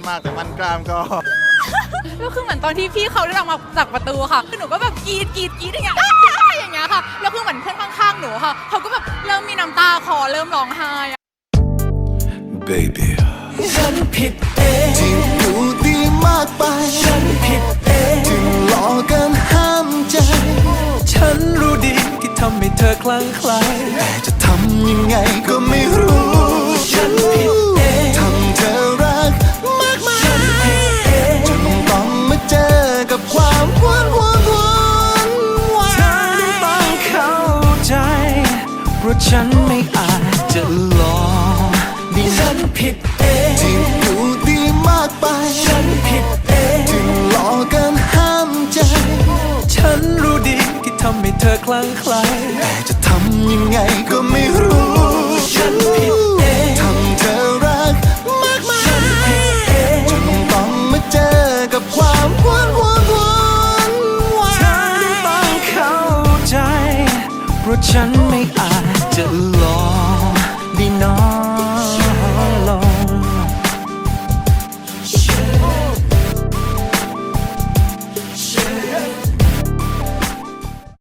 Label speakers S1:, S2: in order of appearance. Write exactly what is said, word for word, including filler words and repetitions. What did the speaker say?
S1: มากแต่มันกล้ามก็
S2: ก็คือเหมือนตอนที่พี่เขาเดินออกมาจากประตูค่ะคือหนูก็แบบกรีดกรีดกรีดอย่างเงี้ยอย่างเงี้ยค่ะแล้วคือเหมือนเพื่อนข้างๆหนูค่ะเขาก็แบบเริ่มมีน้ำตาคลอเริ่มร้องไห้
S3: Baby
S4: ฉันผิดเอง
S1: ที่ดูดีมากไป
S4: ฉันผิดเอง
S1: ถึงหลอกกันห้ามใจ
S4: ฉันรู้ดีที่ทำให้เธอคลั่งไคล้
S1: แต่จะทำยังไงก็ไม่รู้
S4: ฉันผิดเอง
S1: ทำเธอรักมากมาย
S4: ฉันผิดเอง
S1: จนต้องมาเจอกับความหวานหวานหวานหวา
S4: เธอต้องเข้าใจเพราะฉันไม่อาจจะหลอกฉันผิดเอง
S1: ที่ดูดีมากไป
S4: ฉันผิดเอง
S1: ถึงหลอกกันห้ามใจ
S4: ฉันรู้ดีที่ทำให้เธอคลั่งไคล้
S1: แต่จะทำยังไงก็ไม่รู้